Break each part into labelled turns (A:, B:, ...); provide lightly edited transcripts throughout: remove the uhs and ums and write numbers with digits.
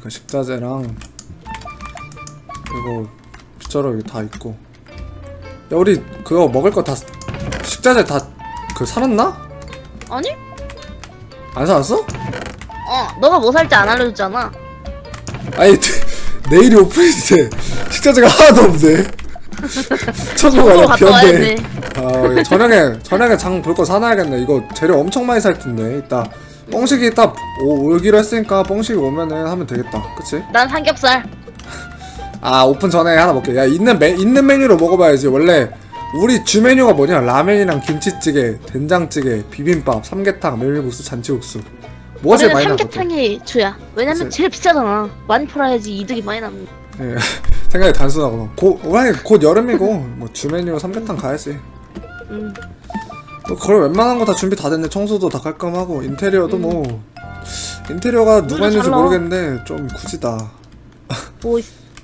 A: 그 식자재랑 이거 빗자루 다 있고. 야 우리 그거 먹을 거 다 식자재 다 그 사놨나?
B: 아니?
A: 안 사놨어?
B: 너가 뭐 살지 안 알려줬잖아.
A: 아니 내일이 오픈인데 식자재가 하나도 없네. 천국 아니야 비었네. 아 저녁에 장 볼 거 사놔야겠네. 이거 재료 엄청 많이 살 텐데. 이따 뻥식이 딱 오기로 했으니까 뻥식이 오면은 하면 되겠다. 그치?
B: 난 삼겹살.
A: 아 오픈 전에 하나 먹게. 야 있는 메뉴로 먹어봐야지. 원래 우리 주 메뉴가 뭐냐? 라면이랑 김치찌개, 된장찌개, 비빔밥, 삼계탕, 메밀국수, 잔치국수. 뭐가 제일 많이 나거든?
B: 삼계탕이 주야. 왜냐면
A: 그치?
B: 제일 비싸잖아. 많이 팔아야지 이득이 많이 남는.
A: 예, 생각이 단순하구나. 곧 여름이고 뭐 주 메뉴로 삼계탕 가야지. 뭐 거의 웬만한 거 다 준비 다 됐네. 청소도 다 깔끔하고 인테리어도 뭐 인테리어가 누가 했는지 모르겠는데 좀 굳이다.
B: 뭐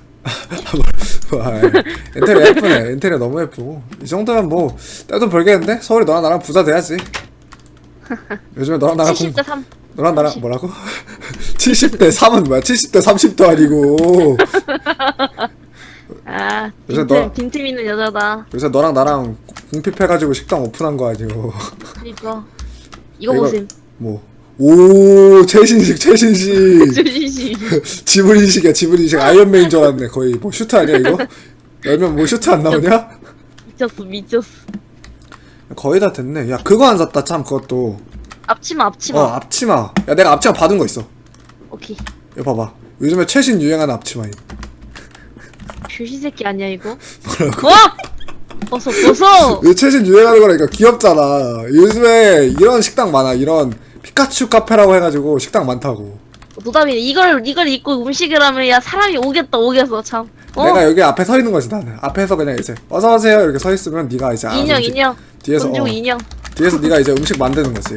A: 인테리어 예쁘네. 인테리어 너무 예쁘고 이 정도면 뭐 떼돈 벌겠는데? 서울이 너랑 나랑 부자 돼야지. 요즘에 너랑 나랑
B: 70대 3.
A: 너랑 나랑 뭐라고? 70대 3은 뭐야? 70대 30도 아니고.
B: 아,
A: 요새
B: 빈틈 있는 여자다.
A: 요새 너랑 나랑 공핍해가지고 식당 오픈한 거 아니고.
B: 그니까 이거 보셈.
A: 뭐? 오 최신식.
B: 조진씨.
A: 지브리식이야 지브리식. 아이언맨인 줄 알았네. 거의 뭐 슈트 아니야 이거? 열면 뭐 슈트 안 나오냐?
B: 미쳤어.
A: 거의 다 됐네. 야 그거 안 샀다 참. 그것도
B: 앞치마.
A: 앞치마. 야 내가 앞치마 받은 거 있어.
B: 오케이.
A: 이거 봐봐. 요즘에 최신 유행하는 앞치마임.
B: 휴시 새끼 아니야 이거? 뭐라고? 벗어.
A: 이거 최신 유행하는 거라니까. 귀엽잖아. 요즘에 이런 식당 많아. 이런 피카츄 카페라고 해가지고 식당 많다고.
B: 노담이네. 이걸 입고 음식을 하면 야 사람이 오겠어 참.
A: 내가 여기 앞에 서 있는 거지 나는. 앞에서 그냥 이제 어서 오세요 이렇게 서 있으면 네가 이제
B: 인형.
A: 뒤에서
B: 돈 주고 인형.
A: 뒤에서 네가 이제 음식 만드는 거지.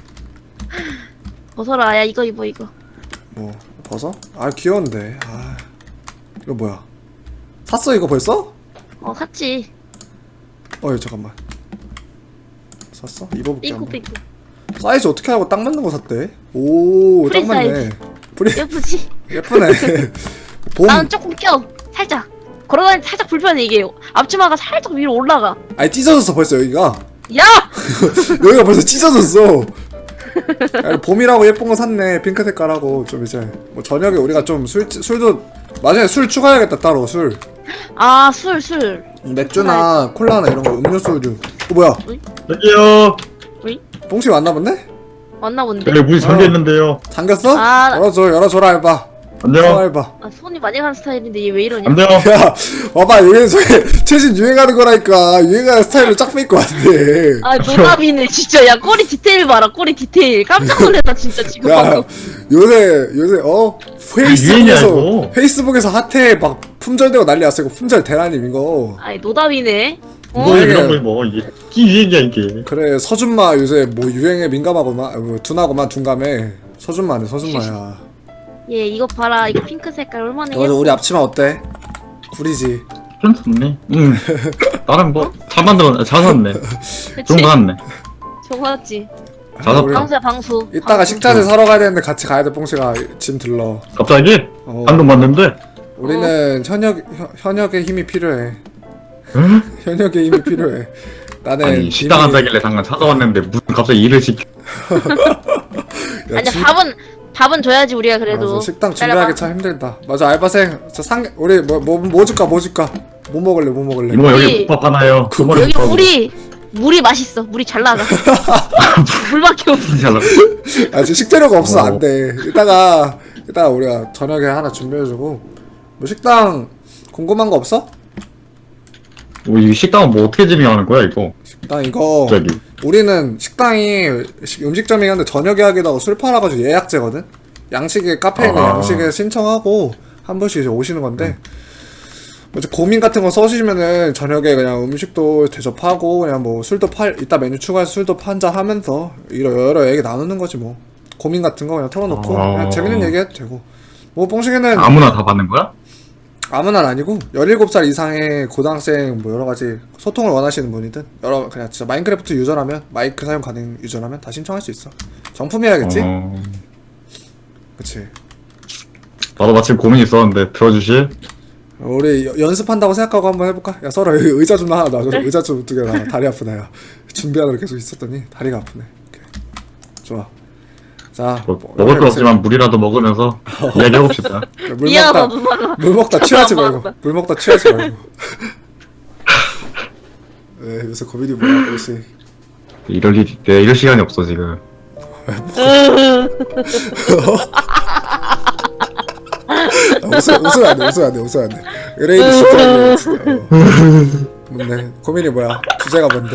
B: 벗어라. 야 이거 입어.
A: 뭐 벗어? 아 귀여운데. 아 이거 뭐야? 샀어 이거 벌써?
B: 샀지.
A: 잠깐만. 샀어? 입어볼게 한번.
B: 삐꾸.
A: 사이즈 어떻게 하고 딱 맞는 거 샀대? 오, 딱
B: 프리
A: 맞네.
B: 사이즈. 예쁘지?
A: 예쁘네.
B: 나는 조금 껴. 살짝. 걸어다닐 때 살짝 불편해 이게. 앞치마가 살짝 위로 올라가.
A: 아니 찢어졌어 벌써 여기가.
B: 야!
A: 여기가 벌써 찢어졌어. 아니, 봄이라고 예쁜 거 샀네. 핑크 색깔하고 좀 이제 뭐 저녁에 우리가 좀 술도 나중에 술 추가해야겠다 따로 술.
B: 아 술.
A: 맥주나 콜라나 이런 거 음료수류. 뭐야?
C: 여기요.
A: 뽕씨 왔나 본데?
B: 왔나 본데?
C: 여기 문이 잠겨 있는데요.
A: 잠겼어?
B: 아,
A: 열어줘라 해봐.
C: 안녕.
A: 해봐.
B: 손이 많이 가는 스타일인데 얘 왜 이러냐?
C: 안녕.
A: 야, 봐봐 여기 최신 유행하는 거라니까. 유행하는 스타일로 짝 뺄 것 같아.
B: 노답이네 진짜. 야 꼬리 디테일 봐라. 꼬리 디테일. 깜짝 놀랐다 진짜 지금
A: 야,
B: 방금.
A: 요새
C: 유행이야,
A: 페이스북에서 핫해 막 품절되고 난리 났어. 이거 품절 대란임 이거.
B: 노답이네.
C: 뭐 이런 거 뭐 이게 유행이야 이게.
A: 그래 서준마 요새 뭐 유행에 민감하고만 둔하고만 둔감해. 서준마야.
B: 얘 이거 봐라. 이거 핑크 색깔 얼마나
A: 맞아 우리 앞치마 어때? 구리지.
C: 괜찮네. 응. 나름 뭐 잘 만들었네. 잘 샀네. 좋은 거 샀네.
B: 좋았지.
C: 잘 샀다.
B: 방수야 방수.
A: 이따가 식자재 사러 가야 되는데 같이 가야 돼. 뽕씨가 짐 들러.
C: 갑자기?
A: 어.
C: 방금 봤는데.
A: 우리는 현역의 힘이 필요해.
C: 응?
A: 현역의 힘이 필요해. 나는
C: 아니 식당 안 사길래 잠깐 찾아왔는데 무슨 갑자기 일을 시켜.
A: 야,
B: 아니 밥은 줘야지 우리가 그래도.
A: 맞아, 식당 준비하기 참 힘들다. 맞아 알바생 우리 뭐 줄까 뭐 먹을래?
C: 이모 여기 국밥 하나요.
B: 여기 물이 맛있어. 물이 잘 나가. 물밖에 없어.
C: 잘 나가.
A: 아 지금 식재료가 없어 안돼. 이따가 우리가 저녁에 하나 준비해주고. 뭐 식당 궁금한 거 없어?
C: 이 식당은 뭐 어떻게 진행하는 거야 이거?
A: 식당 이거
C: 갑자기. 우리는
A: 식당이 음식점이긴 한데 저녁에 하기도 하고 술 팔아가지고 예약제거든? 양식에 카페에 있는 양식에 신청하고 한 번씩 이제 오시는 건데 뭐 이제 고민 같은 거 써주시면은 저녁에 그냥 음식도 대접하고 그냥 뭐 술도 이따 메뉴 추가해서 술도 한잔 하면서 여러 얘기 나누는 거지 뭐. 고민 같은 거 그냥 털어놓고 그냥 재밌는 얘기 해도 되고. 뭐 뽕식이는
C: 아무나 다 받는 거야?
A: 아무나 아니고 17살 이상의 고등학생 뭐 여러가지 소통을 원하시는 분이든 그냥 진짜 마인크래프트 유저라면 마이크 사용 가능 유저라면 다 신청할 수 있어. 정품이어야겠지? 그치.
C: 나도 마침 고민이 있었는데 들어주실?
A: 우리 연습한다고 생각하고 한번 해볼까? 야 서로 의자 좀 하나 놔줘. 의자 좀 2개 놔. 다리 아프다 야. 준비하느라 계속 있었더니 다리가 아프네. 오케이. 좋아. 자
C: 먹을 건 없지만 물이라도 먹으면서 이야기해봅시다.
A: 물
B: 미안하다
A: 먹다
B: 누나가.
A: 물 먹다 취하지
B: 안
A: 말고
B: 먹었다.
A: 물 먹다 취하지 말고. 네, 요새 고민이 뭐야 혹시?
C: 이럴 시간이 없어 지금.
A: 웃으면 안 돼. 의뢰인이 진짜 진짜. 뭔데? 고민이 뭐야? 주제가 뭔데?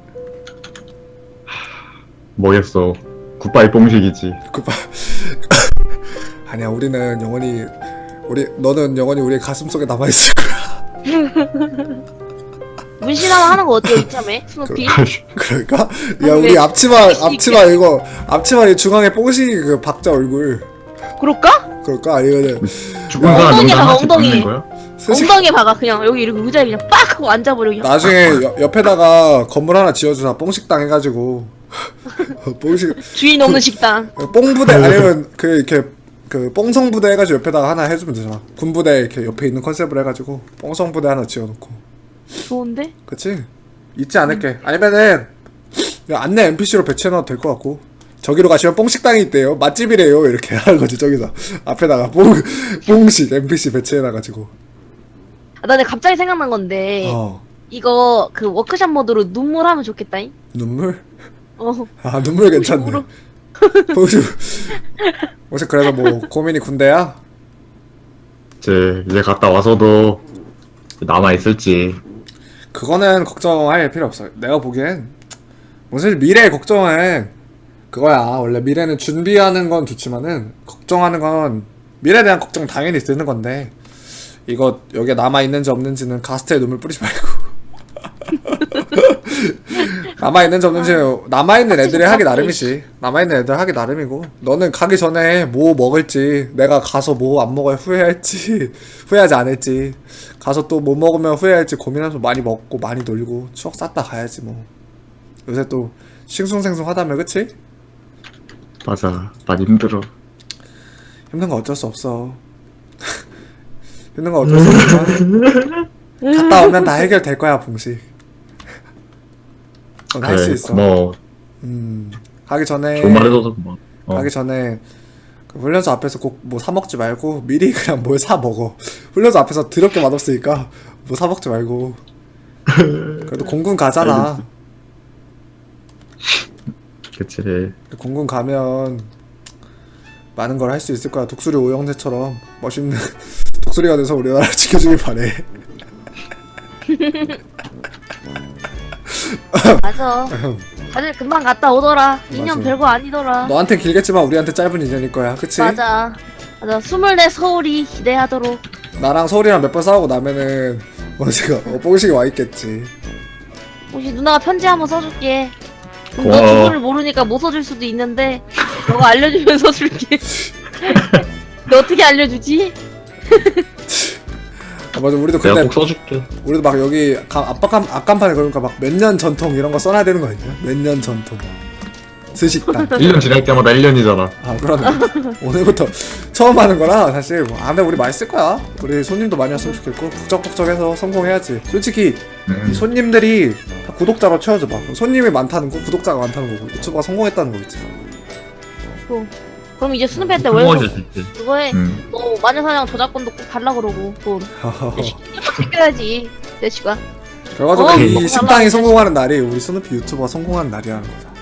C: 뭐겠어. 굿바이 뽕식이지.
A: 굿바. 아니야, 우리는 영원히 너는 영원히 우리의 가슴 속에 남아 있을 거야.
B: 문신하면 하는 거 어때요 이참에 스누피?
A: 그러니까? 야, 우리 앞치마 이거 앞치마 이 중앙에 뽕식이 그 박자 얼굴.
B: 그럴까?
A: 그럴까? 아니면은
C: 죽은 사람
B: 엉덩이
C: 명단
B: 박아,
C: 하나씩
B: 엉덩이.
C: 받는 거야?
A: 스시-
B: 엉덩이에 박아 그냥 여기 이렇게 의자에 그냥 빡 하고 앉아버려 그냥.
A: 나중에 옆에다가 건물 하나 지어주나 뽕식당 해가지고 뽕식
B: 주인 없는 식당.
A: 뽕부대 아니면 그 이렇게 그 뽕성부대 해가지고 옆에다가 하나 해주면 되잖아. 군부대 이렇게 옆에 있는 컨셉으로 해가지고 뽕성부대 하나 지어놓고.
B: 좋은데?
A: 그치? 잊지 않을게. 아니면은 그냥 안내 NPC로 배치해놔도 될 것 같고, 저기로 가시면 뽕식당이 있대요, 맛집이래요, 이렇게 하는 거지. 저기서 앞에다가 뽕식 NPC 배치해놔가지고.
B: 아, 나 근데 갑자기 생각난 건데 이거 그 워크샵 모드로 눈물 하면 좋겠다잉?
A: 눈물?
B: 어.
A: 아, 눈물 괜찮네.
B: 뽕식으로.
A: 혹시 그래서 뭐 고민이 군대야?
C: 이제 갔다 와서도 남아있을지.
A: 그거는 걱정할 필요 없어. 내가 보기엔 사실 미래 걱정은 그거야. 원래 미래는 준비하는 건 좋지만은 걱정하는 건 미래에 대한 걱정 당연히 드는 건데, 이거 여기에 남아있는지 없는지는 가스트에 눈물 뿌리지 말고 남아있는지 없는지 남아있는 애들이 하기 나름이지. 남아있는 애들 하기 나름이고, 너는 가기 전에 뭐 먹을지, 내가 가서 뭐 안 먹어야 후회할지 후회하지 않을지, 가서 또 뭐 먹으면 후회할지 고민하면서 많이 먹고 많이 놀고 추억 쌓다 가야지 뭐. 요새 또 싱숭생숭 하다며. 그치?
C: 맞아. 많이 힘들어.
A: 힘든 거 어쩔 수 없어. 힘든 거 어쩔 수 없지만 갔다 오면 다 해결될 거야, 봉식. 넌 할 수
C: 그래,
A: 있어.
C: 고마워.
A: 가기 전에
C: 좋은 말 해줘서 고마워.
A: 가기 전에 그 훈련소 앞에서 꼭 뭐 사 먹지 말고 미리 그냥 뭘 사 먹어. 훈련소 앞에서 더럽게 맛없으니까 뭐 사 먹지 말고. 그래도 공군 가잖아.
C: 그치.
A: 공군 가면 많은 걸 할 수 있을 거야. 독수리 오영재처럼 멋있는 독수리가 돼서 우리나라 지켜주길 바래.
B: 맞아. 다들 금방 갔다 오더라. 2년
A: 맞아.
B: 별거 아니더라.
A: 너한테 길겠지만 우리한테 짧은 인연일 거야. 그치?
B: 맞아. 맞아. 24 서울이 기대하도록.
A: 나랑 서울이랑 몇 번 싸우고 나면은 언제가 뽕식이 와 있겠지.
B: 혹시 누나가 편지 한번 써줄게. 너
C: 고마워.
B: 주소를 모르니까 못 써줄 수도 있는데 너가 알려주면 써줄게. 너 어떻게 알려주지?
A: 아, 맞아. 우리도
C: 내가
A: 근데
C: 꼭 써줄게.
A: 우리도 막 여기 앞간판에 그러니까 막 몇 년 전통 이런 거 써놔야 되는 거 아니야? 몇 년 전통 스식당.
C: 1년 지날 때마다 1년이잖아.
A: 아, 그러네. 오늘부터 처음 하는 거라 사실 뭐. 아, 근데 우리 맛있을 거야. 우리 손님도 많이 왔으면 좋겠고 북적북적해서 성공해야지. 솔직히 이 손님들이 다 구독자로 채워줘봐. 손님이 많다는 거, 구독자가 많다는 거고, 유튜버가 성공했다는 거겠지.
B: 그럼 이제 수능패 때 월급
C: 성공하실 수 있지.
B: 그거 해. 너 마녀사냥 저작권도 꼭 달라 그러고 돈. 시켜야지. 대치가.
A: 그래가지고 이
B: 먹고
A: 식당이
B: 살라고
A: 성공하는 날이 우리 스누피 유튜버가 성공하는 날이라는 거다.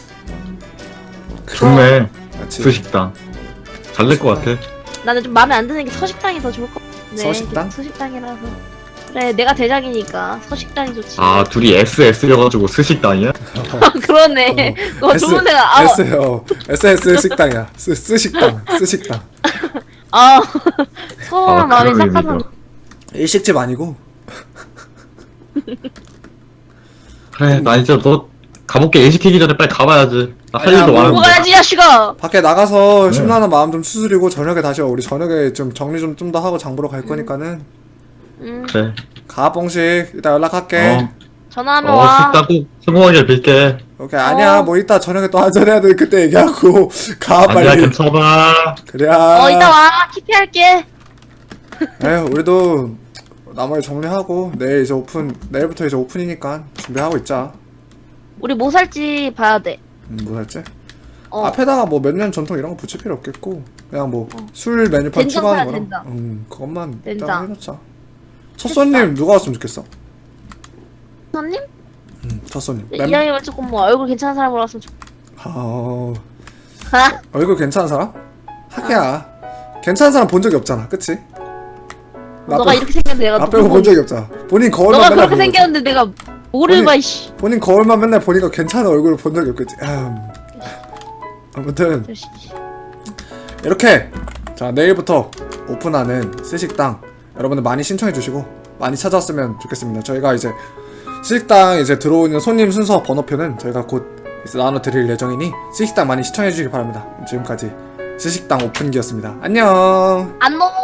C: 좋네.
A: 맞지?
C: 수식당. 잘 될 것 같아.
B: 나는 좀 마음에 안 드는 게 서식당이 더 좋을 것 같은데.
A: 서식당?
B: 서식당이라서. 그래, 내가 대장이니까 서식당이 좋지.
C: 아, 둘이 SS여가지고 스식당이야?
B: 그러네. 그거 좋은 데가
A: SS 식당이야. 스식당.
B: 아 서운한
C: 아,
B: 마음이
C: 그런
B: 싹하다.
C: 의미죠.
A: 일식집 아니고.
C: 그래, 나 이제 너 가볼게. 일 시키기 전에 빨리 가봐야지. 나 할
A: 아니야,
C: 일도
A: 뭐
C: 많은데.
B: 먹어야지 야식아.
A: 밖에 나가서
C: 네.
A: 심란한 마음 좀 추스리고 저녁에 다시 와. 우리 저녁에 좀 정리 좀 더 하고 장 보러 갈 거니까는
B: 응.
C: 그래.
A: 가, 뽕식. 이따 연락할게.
C: 어.
B: 전화하면 와.
C: 식당 꼭 성공하길 빌게.
A: 오케이 아니야 뭐 이따 저녁에 또 한잔해야 돼 그때 얘기하고 가
C: 아니야,
A: 빨리.
C: 괜찮아.
A: 그래야.
B: 이따 와. 키피할게.
A: 에휴 우리도 나머지 정리하고 내일부터 이제 오픈이니까 준비하고 있자.
B: 우리 뭐 살지 봐야 돼.
A: 뭐 살지?
B: 어.
A: 앞에다가 뭐 몇 년 전통 이런 거 붙일 필요 없겠고 그냥 뭐 술 메뉴판
B: 된장
A: 추가하는
B: 사야
A: 거랑
B: 된장.
A: 그것만
B: 된장.
A: 일단 해놓자. 첫 손님 누가 왔으면 좋겠어?
B: 선님?
A: 첫 손님.
B: 이왕이면 조금 뭐 얼굴 괜찮은 사람으로 왔으면 좋겠다.
A: 얼굴 괜찮은 사람? 하기야. 괜찮은 사람 본 적이 없잖아, 그치?
B: 너가 이렇게 생겼는데 내가
A: 나 빼고 본 적이 없잖아. 본인 거울만
B: 너가
A: 맨날
B: 그렇게
A: 보고
B: 생겼는데 내가 뭐를
A: 본인-
B: 봐 이씨.
A: 본인 거울만 맨날 보니까 괜찮은 얼굴을 본 적이 없겠지. 아무튼 이렇게 자 내일부터 오픈하는 스식당 여러분들 많이 신청해 주시고 많이 찾아왔으면 좋겠습니다. 저희가 이제 스식당 이제 들어오는 손님 순서 번호표는 저희가 곧 이제 나눠드릴 예정이니 스식당 많이 시청해 주시기 바랍니다. 지금까지 스식당 오픈기였습니다. 안녕.
B: 안녕.